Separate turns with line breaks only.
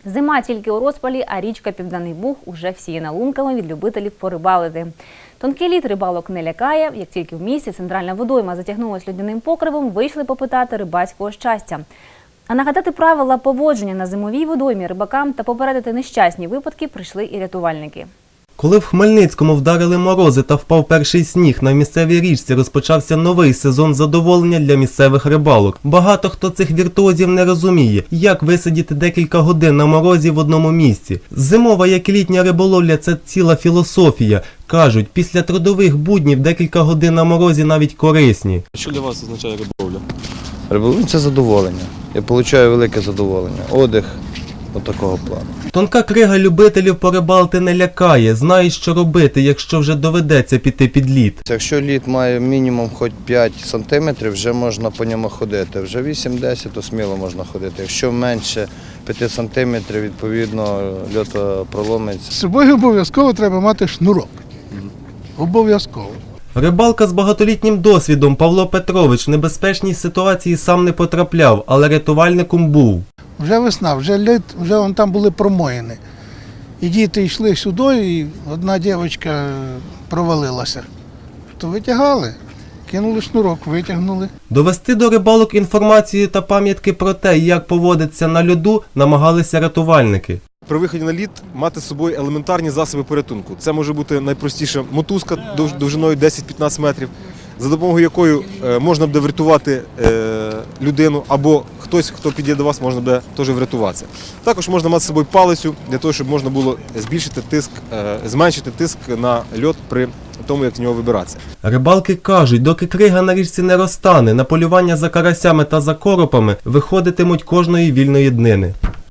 Зима тільки у розпалі, а річка Південний Буг уже всіяна лунками від любителів порибалити. Тонкий лід рибалок не лякає. Як тільки в місті центральна водойма затягнулась льодяним покривом, вийшли попитати рибацького щастя. А нагадати правила поводження на зимовій водоймі рибакам та попередити нещасні випадки прийшли і рятувальники.
Коли в Хмельницькому вдарили морози та впав перший сніг, на місцевій річці розпочався новий сезон задоволення для місцевих рибалок. Багато хто цих віртуозів не розуміє, як висидіти декілька годин на морозі в одному місці. Зимова, як і літня риболовля – це ціла філософія. Кажуть, після трудових буднів декілька годин на морозі навіть корисні.
Що для вас означає риболовля?
Риболовля – це задоволення. Я отримую велике задоволення. Отдих такого плану. Тонка
крига любителів порибалити не лякає, знають, що робити, якщо вже доведеться піти під лід.
Якщо лід має мінімум хоч 5 сантиметрів, вже можна по ньому ходити. Вже 8-10, то сміло можна ходити. Якщо менше 5 сантиметрів, відповідно, льот проломиться.
З собою обов'язково треба мати шнурок. Обов'язково.
Рибалка з багатолітнім досвідом Павло Петрович в небезпечній ситуації сам не потрапляв, але рятувальником був.
Вже весна, вже лід, вже вон там були промоїни. І діти йшли сюди, і одна дівчинка провалилася. То витягали, кинули шнурок, витягнули.
Довести до рибалок інформацію та пам'ятки про те, як поводиться на льоду, намагалися рятувальники.
При виході на лід мати з собою елементарні засоби порятунку. Це може бути найпростіша мотузка довжиною 10-15 метрів, за допомогою якої можна буде врятувати людину, або хтось, хто підійде до вас, можна буде теж врятуватися. Також можна мати з собою палицю, для того, щоб можна було збільшити тиск, зменшити тиск на лід при тому, як з нього вибиратися.
Рибалки кажуть, доки крига на річці не розтане, на полювання за карасями та за коропами виходитимуть кожної вільної днини.